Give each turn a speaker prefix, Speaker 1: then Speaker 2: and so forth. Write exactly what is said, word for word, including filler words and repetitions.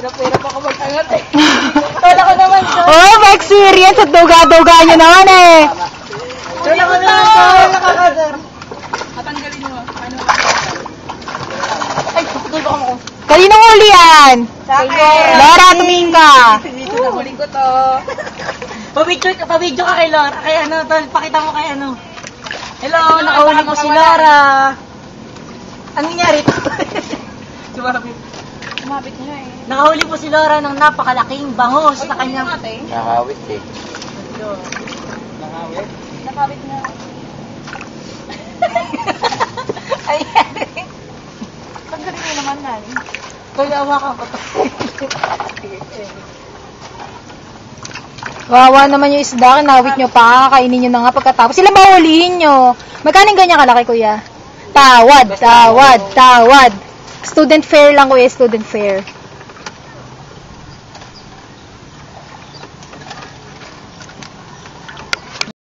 Speaker 1: Hirap-hirap ako mag-angat eh. Kala ko naman siya.
Speaker 2: Oh, may experience at duga-duga nyo naman eh.
Speaker 1: Kala ko naman siya. Nakakasar. Matanggalin mo. Ano? Ay, tutulog ako.
Speaker 2: Kaninong huli yan?
Speaker 1: Sa akin.
Speaker 2: Laura, tumingin ka.
Speaker 1: Dito na huli ko to. Pabidyo ka, pabidyo ka kay Laura. Kay ano, tol, pakita mo kay ano. Hello, nakahuli ko si Laura. Anong nangyari ito? Sumabit. Sumabit niya eh. Nakahuli po si Laura ng napakalaking bangos sa kanyang...
Speaker 3: Nakawit eh.
Speaker 1: Nakawit? Nakawit na. Ayan. Paggaling mo naman nan. Kaya awakan ko to.
Speaker 2: Wawa naman yung isda, kinawit nyo pa, kainin nyo na nga pagkatapos. Sila ba hulihin nyo? Magkano ganyan kalaki, kuya? Tawad, tawad, tawad. Student fair lang, kuya, student fair.